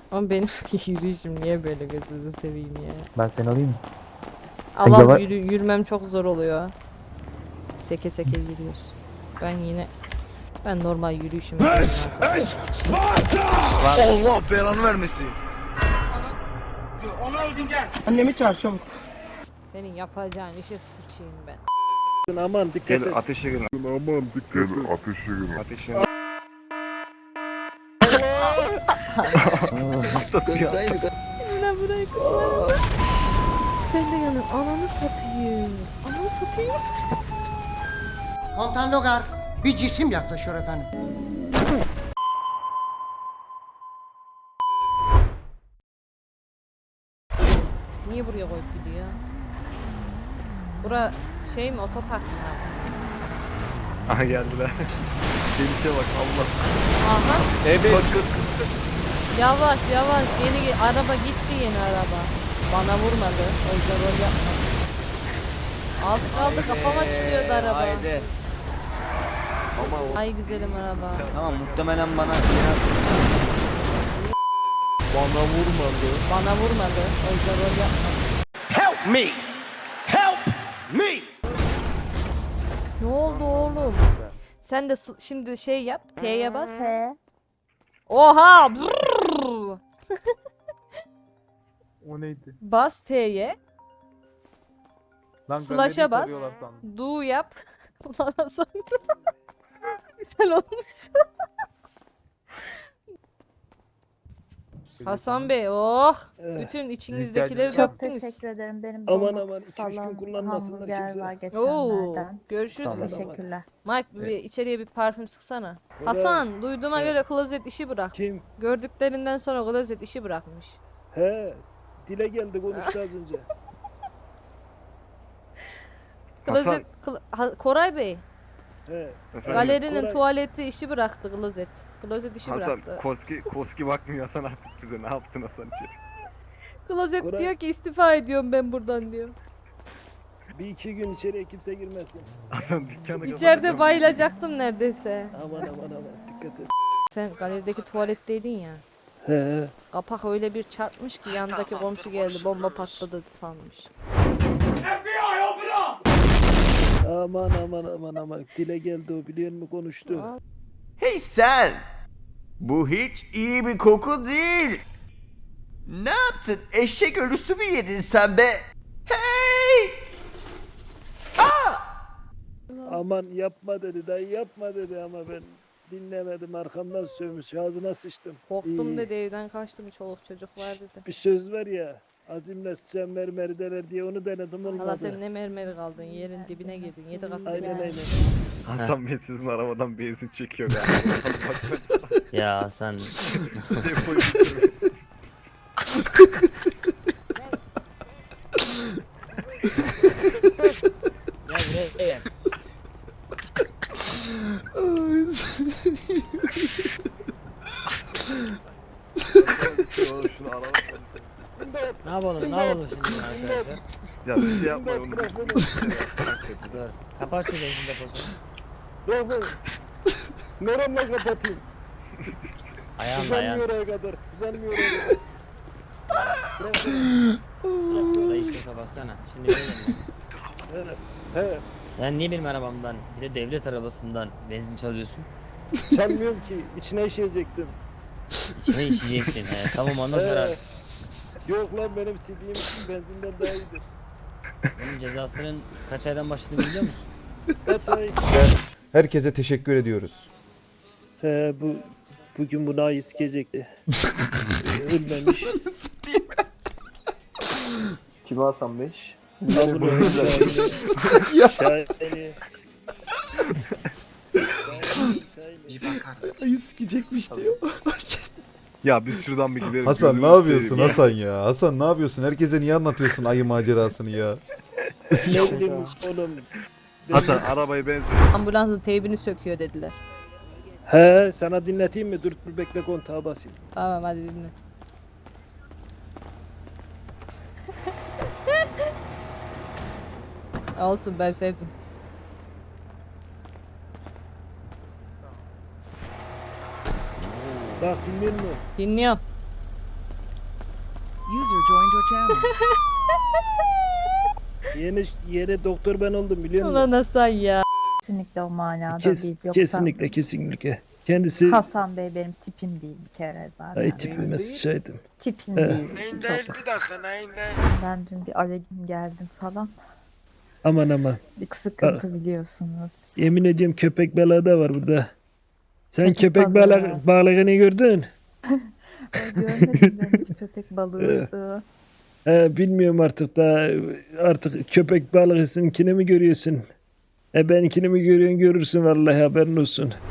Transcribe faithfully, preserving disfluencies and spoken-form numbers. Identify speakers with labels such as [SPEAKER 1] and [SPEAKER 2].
[SPEAKER 1] Ama benim yürüyüşüm niye böyle, gözünüzü seveyim ya.
[SPEAKER 2] Ben seni alayım mı?
[SPEAKER 1] Allah
[SPEAKER 2] yavaş-
[SPEAKER 1] yürü, yürümem çok zor oluyor. Seke seke yürüyoruz. Ben yine ben normal yürüyüşümü
[SPEAKER 3] This is Sparta! Allah belanı vermesin. Ona özüm gel.
[SPEAKER 4] Annemi çağır çabuk.
[SPEAKER 1] Senin yapacağın işe sıçayım ben.
[SPEAKER 4] Aman dikkat et.
[SPEAKER 5] Gel ateşe girin.
[SPEAKER 6] Aman dikkat et. Ateşe girin.
[SPEAKER 5] Ateşe
[SPEAKER 1] Emine bırak. Ben de yanım. Ananı satayım. Ananı satayım.
[SPEAKER 7] Komutan Logar, bir cisim yaklaşıyor efendim.
[SPEAKER 1] Niye buraya koyup gidiyor? Bura şey mi, otopark mı?
[SPEAKER 5] Aha geldiler. Gelişe bak Allah.
[SPEAKER 1] Aha.
[SPEAKER 5] Evet.
[SPEAKER 1] Yavaş yavaş, yeni ge- araba gitti, yeni araba. Bana vurmadı. O yüzden rol yapmadı. Az kaldı, kafama çıkıyordu araba.
[SPEAKER 8] Haydi.
[SPEAKER 1] Ay güzelim araba.
[SPEAKER 8] Tamam muhtemelen bana
[SPEAKER 4] Bana vurmadı.
[SPEAKER 1] Bana vurmadı. O yüzden rol yapmadı.
[SPEAKER 3] Help me! Help me!
[SPEAKER 1] Ne oldu oğlum? Sen de s- şimdi şey yap. T'ye bas. Oha! Brrr!
[SPEAKER 2] O neydi?
[SPEAKER 1] Bas T'ye.
[SPEAKER 2] Lan
[SPEAKER 1] Slash'a
[SPEAKER 2] galeriyi
[SPEAKER 1] bas.
[SPEAKER 2] tarıyorlar sandım.
[SPEAKER 1] Do yap. Ulan Hasan. Güzel olmuş. Hasan Bey, oh! Bütün içinizdekileri
[SPEAKER 2] Çok
[SPEAKER 1] döktünüz.
[SPEAKER 9] Teşekkür ederim. Benim
[SPEAKER 4] Aman
[SPEAKER 9] domates
[SPEAKER 4] aman, iki üç gün
[SPEAKER 9] falan
[SPEAKER 4] kullanmasınlar
[SPEAKER 9] hamburger
[SPEAKER 4] kimse.
[SPEAKER 9] var
[SPEAKER 1] Oo,
[SPEAKER 9] geçenlerden.
[SPEAKER 1] görüşürüz.
[SPEAKER 2] Tamam.
[SPEAKER 9] Teşekkürler.
[SPEAKER 1] Mike, bir içeriye bir parfüm sıksana. Hasan, duyduğuma
[SPEAKER 4] Evet.
[SPEAKER 1] göre klozet işi bırak.
[SPEAKER 4] Kim?
[SPEAKER 1] Gördüklerinden sonra klozet işi bırakmış.
[SPEAKER 4] He. Dile geldi konuştu az önce.
[SPEAKER 1] Klozet, kl- Ha- Koray Bey,
[SPEAKER 4] He.
[SPEAKER 1] galerinin
[SPEAKER 4] Koray-
[SPEAKER 1] tuvaleti işi bıraktı klozet. Klozet işi
[SPEAKER 5] Hasan
[SPEAKER 1] bıraktı.
[SPEAKER 5] Koski Koski bakmıyor Hasan artık bize. Ne yaptın Hasan içeri?
[SPEAKER 1] Klozet
[SPEAKER 4] Koray-
[SPEAKER 1] diyor ki istifa ediyorum ben buradan diyor.
[SPEAKER 4] Bir iki gün içeriye kimse girmesin.
[SPEAKER 5] Hasan dükkanı
[SPEAKER 1] İçeride bayılacaktım neredeyse.
[SPEAKER 4] Aman aman aman dikkat et.
[SPEAKER 1] Sen galerideki tuvaletteydin ya.
[SPEAKER 4] He.
[SPEAKER 1] Kapak öyle bir çarpmış ki yandaki komşu geldi, bomba patladı sanmış.
[SPEAKER 4] Aman aman aman aman. Dile geldi o, biliyor musun, konuştu.
[SPEAKER 1] Aa.
[SPEAKER 10] Hey sen! Bu hiç iyi bir koku değil. Ne yaptın? Eşek ölüsü mü yedin sen be? Hey!
[SPEAKER 4] Aman yapma dedi, dayı yapma dedi ama ben dinlemedim, arkamdan sövmüş, ağzına sıçtım.
[SPEAKER 1] Korktum
[SPEAKER 4] İyi.
[SPEAKER 1] dedi, evden kaçtım, çoluk çocuk var dedi.
[SPEAKER 4] Bir söz var ya, azimle sıçan mermeri dener diye, onu denedim, olmadı.
[SPEAKER 1] Hala sen ne mermeri kaldın, yerin dibine girdin, yedi kat
[SPEAKER 4] Aynen
[SPEAKER 1] dibine.
[SPEAKER 4] aynen.
[SPEAKER 5] Hasan Bey sizin arabadan benzin çekiyor ya.
[SPEAKER 8] ya sen
[SPEAKER 5] Depoyu
[SPEAKER 8] ya buraya
[SPEAKER 5] Oğlum şunu araba.
[SPEAKER 8] ne yapalım ne yapalım şimdi arkadaşlar?
[SPEAKER 5] Ya bir şey yapmayın onu.
[SPEAKER 8] Dur. Kapat şu benzin deposunu.
[SPEAKER 4] Yok be. Neremle kapatayım?
[SPEAKER 8] Ayağınla ayağın.
[SPEAKER 4] Uzanmıyor oraya kadar, uzanmıyor oraya kadar.
[SPEAKER 8] Dayı şunu kapatsana. Şimdi benim.
[SPEAKER 4] He, he.
[SPEAKER 8] Sen niye benim arabamdan bir de devlet arabasından benzin çalıyorsun?
[SPEAKER 4] Çalmıyorum ki, içine işeyecektim.
[SPEAKER 8] İçine işleyeceksin. He, tamam ondan sonra
[SPEAKER 4] Yok lan, benim sildiğim benzinden daha iyidir.
[SPEAKER 8] bunun cezasının kaç aydan başladığını biliyor musun?
[SPEAKER 4] Kaç ay?
[SPEAKER 6] Herkese teşekkür ediyoruz.
[SPEAKER 4] He, bu bugün bu nayi sikecekti. Ölmemiş.
[SPEAKER 2] Kim Hasan Bey?
[SPEAKER 4] Şahane.
[SPEAKER 6] Ayı sikecekmiş diyor.
[SPEAKER 5] Ya biz şuradan bir gidelim.
[SPEAKER 6] Hasan ne
[SPEAKER 5] gözünü
[SPEAKER 6] yapıyorsun
[SPEAKER 5] seveyim ya.
[SPEAKER 6] Hasan ya? Hasan ne yapıyorsun? Herkese niye anlatıyorsun ayı macerasını ya?
[SPEAKER 4] Ne bileyim oğlum.
[SPEAKER 5] Hasan arabayı ben
[SPEAKER 1] Ambulansın teybini söküyor dediler.
[SPEAKER 4] He, sana dinleteyim mi? Dur dur bekle, kontağa basayım.
[SPEAKER 1] Tamam hadi dinle. Olsun, ben sevdim.
[SPEAKER 4] Bak dinliyor musun?
[SPEAKER 1] Dinliyorum.
[SPEAKER 9] User joined your channel.
[SPEAKER 4] Yeni yeni doktor ben oldum biliyor musun?
[SPEAKER 1] Ulan Hasan ya.
[SPEAKER 11] Kesinlikle o manada
[SPEAKER 4] Kes,
[SPEAKER 11] değil. Yoksa
[SPEAKER 4] kesinlikle kesinlikle. Kendisi
[SPEAKER 11] Hasan Bey benim tipim değil bir kere zaten.
[SPEAKER 4] ay tipime sıçaydım.
[SPEAKER 11] Tipim
[SPEAKER 4] Evet.
[SPEAKER 11] değil.
[SPEAKER 3] Neyin
[SPEAKER 11] Çok-
[SPEAKER 3] değil bir dakika neyin değil.
[SPEAKER 11] Ben dün bir alerjim geldim falan.
[SPEAKER 4] Aman aman.
[SPEAKER 11] Bir sıkıntı biliyorsunuz.
[SPEAKER 4] Yemin ediyorum köpek balığı da var burada. Sen
[SPEAKER 11] Köpek
[SPEAKER 4] köpek
[SPEAKER 11] balığı.
[SPEAKER 4] balığı balığını gördün?
[SPEAKER 11] Ay, görmedim ben hiç köpek balığı.
[SPEAKER 4] Ee, bilmiyorum artık da artık köpek balığısınkini mi görüyorsun? E benimkini mi görüyorsun görürsün vallahi haberin olsun.